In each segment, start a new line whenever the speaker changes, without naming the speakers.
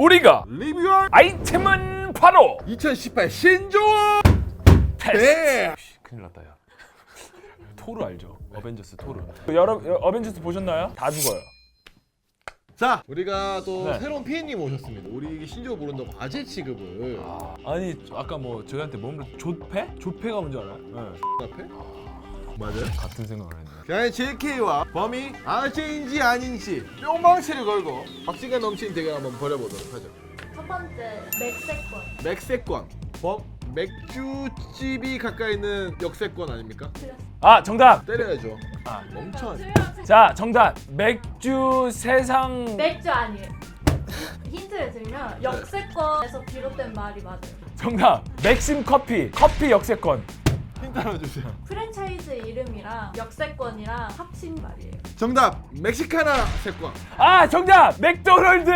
우리가
리뷰할
아이템은 바로
2018 신조
테스트. 큰일 났다 야. 토르 알죠? 어벤져스 토르. 여러분 어벤져스 보셨나요? 다 죽어요.
자, 우리가 또
네.
새로운 PN님 오셨습니다. 우리 신조 모른다고 아재 취급을
아니 아까 뭐 저희한테 뭔가 조패? 조패가 뭔지 알아요? 네.
앞에? 맞아요?
같은 생각을 했네.
그냥 JK와 범이 아재인지 아닌지 뿅망치를 걸고 박진감 넘치는 대결 한번 벌여보도록 하죠.
첫 번째 맥세권.
맥세권 범 맥주집이 가까이 있는 역세권 아닙니까?
아 정답.
때려야죠.
아.
멍청.
자 정답. 맥주 세상.
맥주 아니에요. 힌트를 드리면 역세권에서 비롯된 말이 맞아요.
정답. 맥심 커피. 커피 역세권.
힌트 하나 주세요.
프랜차이즈 이름이랑 역세권이랑 합친 말이에요.
정답 멕시카나 세권.
아 정답. 맥도날드.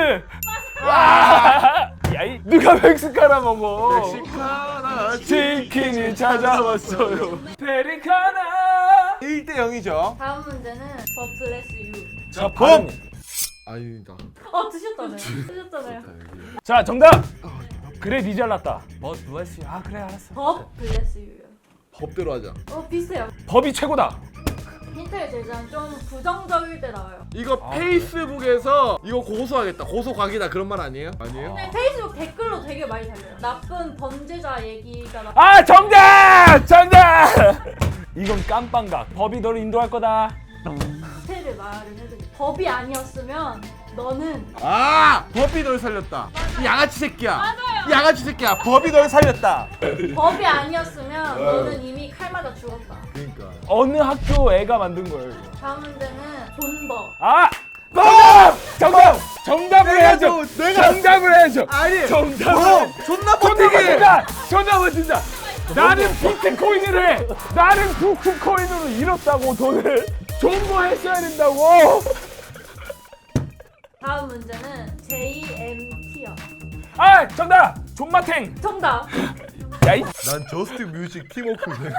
와. 야이 누가 멕시카나 먹어?
멕시카나
치킨이 찾아왔어요. 페리카나.
1대 0이죠.
다음 문제는 For Bless You.
자 범.
아닙니다.
드셨잖아요. 드셨잖아요.
자 정답. 그래 니 잘났다. But bless you. 아 그래 알았어.
For Bless You요.
법대로 하자.
비슷해요.
법이 최고다.
힌트를 드리자면 좀 부정적일 때 나와요.
이거 페이스북에서 이거 고소하겠다. 고소각이다 그런 말 아니에요? 아니에요?
근데 페이스북 댓글로 되게 많이 달려요. 나쁜 범죄자 얘기가
아 정답! 정답! 이건 깜빵각. 법이 너를 인도할 거다.
스테를 말을 해드릴게요. 법이 아니었으면 너는
아! 법이 널 살렸다. 이 양아치 새끼야. 맞아요. 이 양아치 새끼야. 법이 널 살렸다.
법이 아니었으면 너는 이미 칼 맞아 죽었다.
그러니까.
어느 학교 애가 만든 거예요 이거.
다음 문제는 존버.
아! 정답! 정답! 정답을 해야죠.
내가
정답을 해야죠.
아니.
정답을.
존나
정답을
버티기.
진다. 정답을 진다. 나는 비트코인을 해. 나는 부크코인으로 잃었다고 돈을. 좋은 거 했어야 된다고.
다음 문제는 JMT요.
아 정답. 존마탱.
정답.
야이.
난 저스트 뮤직 팀워크네.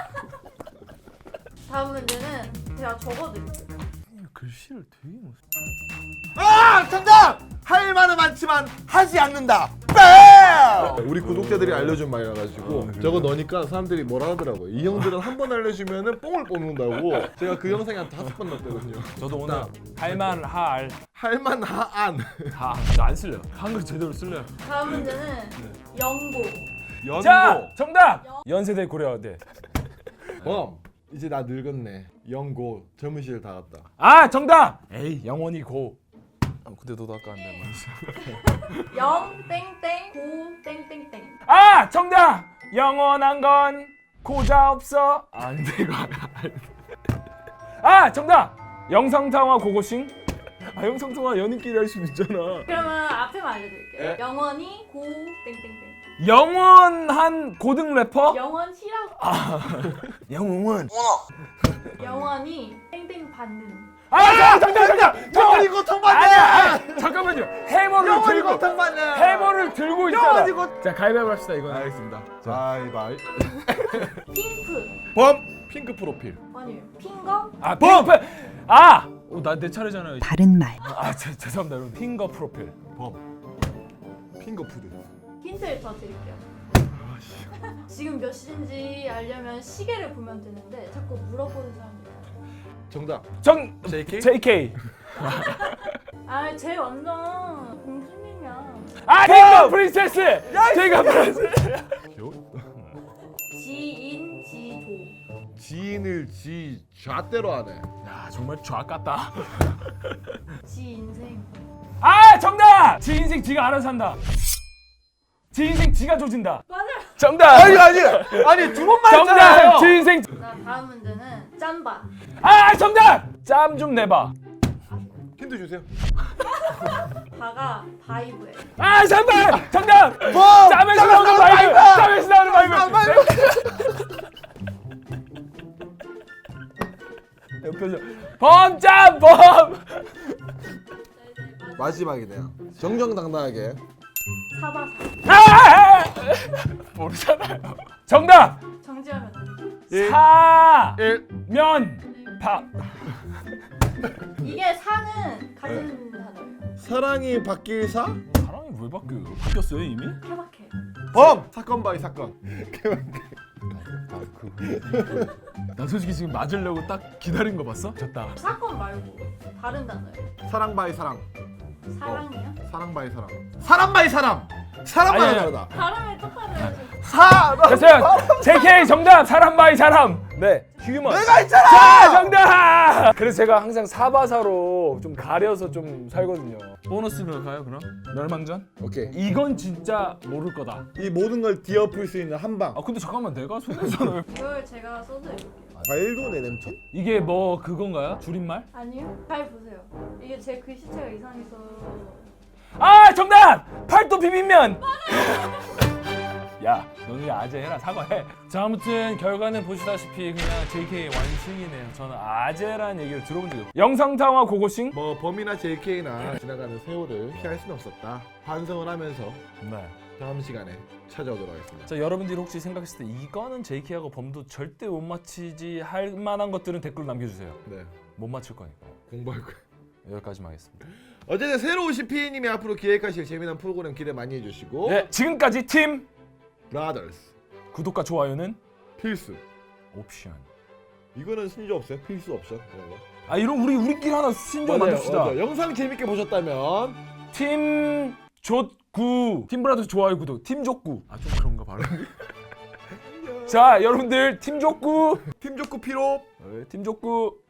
다음 문제는 제가 적어드릴게요.
글씨를 되게 못.
아! 정답! 할 말은 많지만 하지 않는다. 뺨! 우리 구독자들이 알려준 말이라 가지고 저거 넣으니까 사람들이 뭐라 하더라고요. 이 형들은 한 번 알려주면은 뽕을 뽑는다고. 제가 그 영상에 한 5번 넣었거든요.
저도 오늘 할만할.
할만한
안 쓸래요. 한글 제대로 쓸래요.
다음 문제는 연고.
연고.
자 정답. 연세대 고려대.
이제 나 늙었네. 연고 젊은 시절 다 갔다.
아 정답. 에이 영원히 고. 근데 너도 아까 한단 말이야.
영 땡땡 고 땡땡땡.
아 정답. 영원한 건 고자 없어. 안돼 이거. 아 정답. 영상통화 고고싱. 아 영상통화 연인끼리 할 수도 있잖아.
그러면 앞에만 알려드릴게요.
네?
영원히 고 땡땡땡.
영원한 고등 래퍼.
영원히라고.
영웅은.
영원히 땡땡 받는.
아 정답.
영원히 고통받네.
아니야. 잠깐만요. 해머를
영원히
들고.
고통받네.
해머를 들고 있잖아.
영원히
자 가위바위보 합시다 이거.
알겠습니다. 바이바이.
핑크.
범 핑크 프로필.
아니에요. 핑거.
아 핑크. 아. 나 내 차례잖아요.
바른 말.
죄송합니다 여러분. 핑거 프로필.
범 핑거 푸드.
힌트를 더 드릴게요. 지금 몇 시인지 알려면 시계를 보면 되는데 자꾸 물어보는 사람이 있어요.
정답. JK?
JK.
쟤 완전 공주님이야.
핑거 프린세스. 제가 프린세스.
지인 지도.
지인을 지 좌대로 하네.
야 정말 좌 같다.
지 인생.
아 정답. 지 인생 지가 알아서 한다. 지 인생 지가 조진다.
맞아요.
정답.
아니 두 번만
정답.
했잖아요.
지 인생.
자, 다음 문제는 짬바.
정답. 짬 좀 내봐.
힌트 주세요.
바가 바이브예요.
정답. 정답. 짬에서 나오는 바이브. 짬에서 나오는 바이브. 옆에서 범짬 범.
마지막이네요. 정정당당하게.
사바사.
모르잖아요. 정답.
정지하면
사면 밥.
이게 사는 가진 단어예요.
사랑이 바뀔 사?
사랑이 왜 바뀌었어요 이미?
케바케.
범! 사건 바이 사건.
나 솔직히 지금 맞으려고 딱 기다린 거 봤어? 졌다.
사건 말고 다른 단어예요.
사랑 바이 사랑.
사랑이요?
사랑 바이 사랑. 사람 바이 사람. 사람마다
아니,
다르다.
발음을 똑같아요.
사람.
됐어요. JK 정답. 사람 바이 사람. 네. 휴먼.
내가 있잖아.
자, 정답. 그래서 제가 항상 사바사로 좀 가려서 좀 살거든요. 보너스 갈까요 그럼? 멸망전?
오케이.
이건 진짜 모를 거다.
이 모든 걸 뒤엎을 수 있는 한 방.
아 근데 잠깐만 내가 손해잖아요.
이걸 제가 써드릴게요.
과일도 내냄촌?
이게 뭐 그건가요? 줄임말?
아니요? 잘 보세요. 이게 제 글씨체가 이상해서.
아 정답! 팔도 비빔면! 야 너는 아재 해라 사과해. 자 아무튼 결과는 보시다시피 그냥 JK 완승이네요. 저는 아재라는 얘기를 들어본 적이 없어요. 영상통화 고고싱?
뭐 범이나 JK나 지나가는 세월을 피할 수는 없었다. 반성을 하면서
네.
다음 시간에 찾아오도록 하겠습니다.
자 여러분들이 혹시 생각했을 때 이거는 JK하고 범도 절대 못 맞히지 할 만한 것들은 댓글로 남겨주세요.
네.
못 맞힐 거니까.
공부할 거예요.
여기까지만 하겠습니다.
어쨌든 새로 오신 PA님이 앞으로 기획하실 재미난 프로그램 기대 많이 해주시고
네 지금까지 팀
브라더스
구독과 좋아요는
필수.
옵션.
이거는 신조 없어요? 필수 옵션 이런 거.
아 이런 우리끼리 하나 신조 만듭시다.
맞아요. 영상 재밌게 보셨다면
팀 족구 팀 브라더스 좋아요 구독 팀 족구 아 좀 그런가 발음이. 자 여러분들 팀 족구
팀 좋고 피로
팀 족구